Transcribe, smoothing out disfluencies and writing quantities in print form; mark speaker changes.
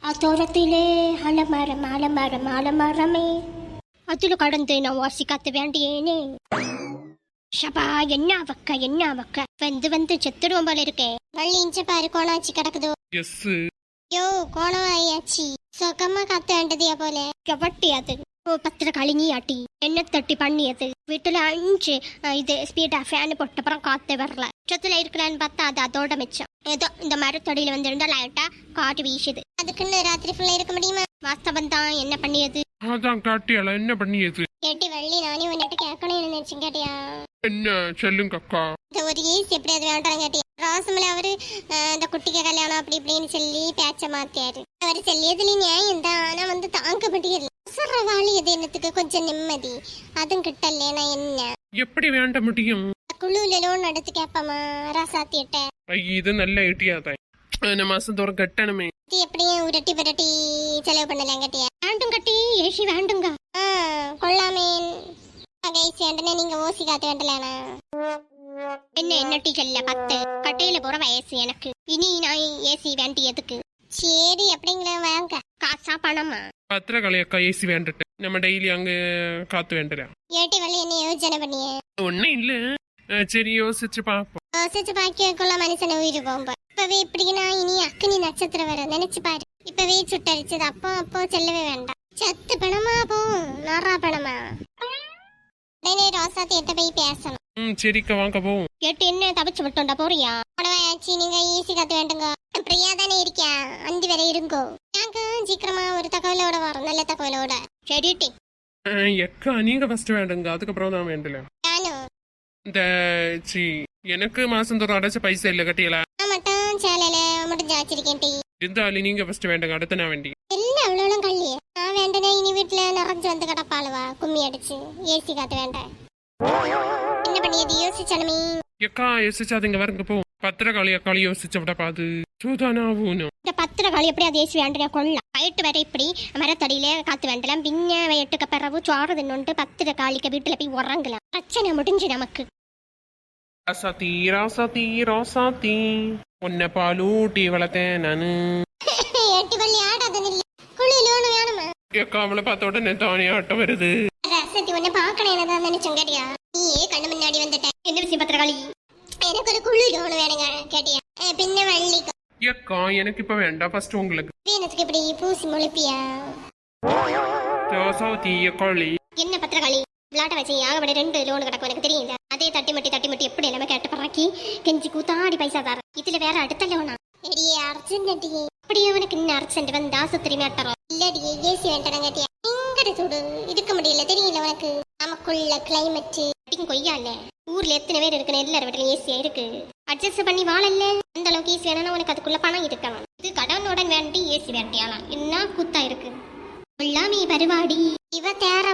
Speaker 1: தோரத்திலே அலமரம் அலமரம் அலமரமே அதுல கடந்து நான் வாசி காத்து வேண்டியேனே. ஷபா என்ன வக்க வந்து வந்து செத்துடுவோம் போல இருக்கே. வள்ளி இஞ்ச பாரு கோணாச்சி கிடக்குதோ. யோ கோணம் ஆயாச்சி சொகமா காத்து வேண்டதியா போல கவட்டியாது. பத்திர கழிஞி ஆட்டி என்ன தட்டி பண்ணியது. வீட்டுல 5 இது ஸ்பீடா ஃபேன் போட்ட அப்புறம் காத்தே வரல. உச்சத்துல இருக்கலான்னு பார்த்தா அது அதோட மிச்சம். ஏதோ இந்த மரத்தொடியில வந்திருந்தா லைட்டா காட்டு வீசுது. அதுக்குன்னு ராத்திரி ஃபுல்லா இருக்க முடியுமா? வாஸ்தவம் தான். என்ன பண்ணியது?
Speaker 2: அதான் காட்டியால என்ன பண்ணியது?
Speaker 1: கேட்டி வள்ளி நானே உன்னிட்ட கேட்கணும்னு நினைச்சேன். கேட்டியா?
Speaker 2: என்ன சொல்லுங்க அக்கா.
Speaker 1: இந்த ஒரு ஈஸி எப்படியாவது வேண்டாம் கேட்டியா? ராசமல அவரு இந்த குட்டிக்கு கல்யாணம் அப்படி இப்படின்னு சொல்லி பேச்ச மாத்தியாரு. அவரு சொல்லியதுல நியாயம் தான். ஆனா வந்து தாங்க முடியல. வாழி எது என்னத்துக்கு கொஞ்சம் நிம்மதி அதுவும் கிட்டலேனா என்ன
Speaker 2: எப்படி வேண்ட முடியும்?
Speaker 1: குழுல லோன் எடுத்து கேப்பமா ராசாத்திட்ட.
Speaker 2: இது நல்ல ஐடியா மாசம் தோறும் கட்டணுமே.
Speaker 1: எப்படியும் உரட்டி பரட்டி செலவு பண்ணலாம். கட்டியா? வேண்டும் கட்டி ஏசி வேண்டுங்க. கொள்ளாமே கைஸ் வேண்டனே நீங்க ஓசி காத்து வேண்டலானா? என்ன டீ சொல்ல 10 கட்டையில போற வயசு எனக்கு. இனி நான் ஏசி வேண்டி எதுக்கு? சரி அப்படிங்கிற வாங்க. காசா பணமா?
Speaker 2: பத்திரகாளி அக்கா ஏசி வேண்டட்டு நம்ம டெய்லி அங்க காத்து வேண்டலாம்.
Speaker 1: ஏட்டி வள்ளி என்ன யோசனை பண்ணியே?
Speaker 2: ஒன்னும் இல்ல. சரி யோசிச்சு பாப்போம்.
Speaker 1: யோசிச்சு பாக்கியக்குள்ள மனுஷனை உயிர் போம்ப. இப்பவே இப்படின்னா இனி அக்கினி நட்சத்திரம் வர நினைச்சு பாரு. இப்பவே சுட்டரிச்சது அப்போ செல்லவே வேண்டாம். சத்து பணமா போகும் நாரா பணமா? உடனே ரோசாத்தி எட்ட போய் பேசணும்.
Speaker 2: சரிக்கா வாங்க போவோம்.
Speaker 1: கேட்டு என்ன தப்பிச்சு விட்டோண்டா போறியா? உடவாச்சி நீங்க ஈஸி காத்து வேண்டுங்க. பிரியா தானே இருக்கியா? அந்தி வரை இருங்கோ. நாங்க சீக்கிரமா ஒரு தகவலோட வரோம். நல்ல தகவலோட. சரிட்டி
Speaker 2: எக்கா நீங்க ஃபர்ஸ்ட் வேண்டுங்க அதுக்கப்புறம் தான் வேண்டல.
Speaker 1: நானும்
Speaker 2: இந்த எனக்கு மாசம் தோறும் அடைச்ச பைசா இல்ல கட்டியல
Speaker 1: மட்டும் சேலையில மட்டும் ஜாச்சிருக்கேன். டீ
Speaker 2: இருந்தாலும் நீங்க ஃபர்ஸ்ட் வேண்டுங்க அடுத்த நான் வேண்டி
Speaker 1: இல்ல அவ்வளவு கல்லியே நான் வேண்டனே. இனி வீட்டுல நிறைஞ்சு வந்து கிடப்பாளுவா கும்மி அடிச்சு ஏசி காத்து வேண்டாம். என்ன பண்ணியது யோசிச்சாலுமே?
Speaker 2: எக்கா யோசிச்சாதுங்க வரங்க போ. பத்திரகாளி அக்காளி யோசிச்ச விட பாது சூதானாவும்.
Speaker 1: இந்த பத்திரகாளி எப்படி அது ஏசி வேண்டிய கொள்ளலாம். வயிட்டு வேற இப்படி மரத்தடியில காத்து வேண்டலாம். பின்ன வயிட்டுக்கு பிறகு சோறு தின்னு பத்திரகாளிக்கு வீட்டுல போய் உறங்கலாம். பிரச்சனை முடிஞ்சு நமக்கு.
Speaker 2: ராசாத்தி ராசாத்தி ராசாத்தி உன்னை பாலூட்டி வளர்த்தேன் நானு.
Speaker 1: எட்டி பள்ளி ஆடாத நில்ல. குளியில ஒண்ணு வேணுமா?
Speaker 2: எக்கா அவளை பார்த்த உடனே தானே ஆட்டம் வருது.
Speaker 1: ராசாத்தி உன்னை பாக்கணும் என்னதான் நினைச்சோம். கேட்டியா? நீயே கண்ணு முன்னாடி வந்துட்ட. என்ன விஷயம் பத்திரகாளி? எனக்கு ஒரு குளியில ஒண்ணு வேணுங்க. கேட்டியா? பின்ன வள்ளி
Speaker 2: எக்கா எனக்கு இப்ப வேண்டாம் ஃபர்ஸ்ட் உங்களுக்கு.
Speaker 1: எனக்கு இப்படி பூசி முளைப்பியா?
Speaker 2: ராசாத்தி அக்காளி
Speaker 1: என்ன பத்திரகாளி விளாட்ட வச்சு ஆகப்பட 2 லோன் கிடக்கும் எனக்கு தெரியுது. அதே தட்டி மட்டி எப்படி எல்லாமே கேட்டு பறக்கி கெஞ்சி கூத்தாடி பைசா தர. இதுல வேற அடுத்த லோனா? எடியே அர்ஜென்ட் அடியே. அப்படியே அவனுக்கு இன்னும் அர்ஜென்ட் வந்து ஆசுத்திரி மேட்டரும் இல்லடியே. ஏசி வேண்டாம். கேட்டியா? இங்கட சூடு இருக்க முடியல தெரியல உனக்கு. நமக்குள்ள கிளைமேட் கொய்யால ஊர்ல எத்தனை பேர் இருக்கு. எல்லாரும் வீட்டுல ஏசியா இருக்கு. அட்ஜஸ்ட் பண்ணி வாழல்ல. அந்த அளவுக்கு ஏசி வேணும்னா உனக்கு அதுக்குள்ள பணம் இருக்கணும். இது கடனுடன் வேண்டி ஏசி வேண்டியாலாம் என்ன கூத்தா இருக்கு. எல்லாமே பருவாடி. இவ தேர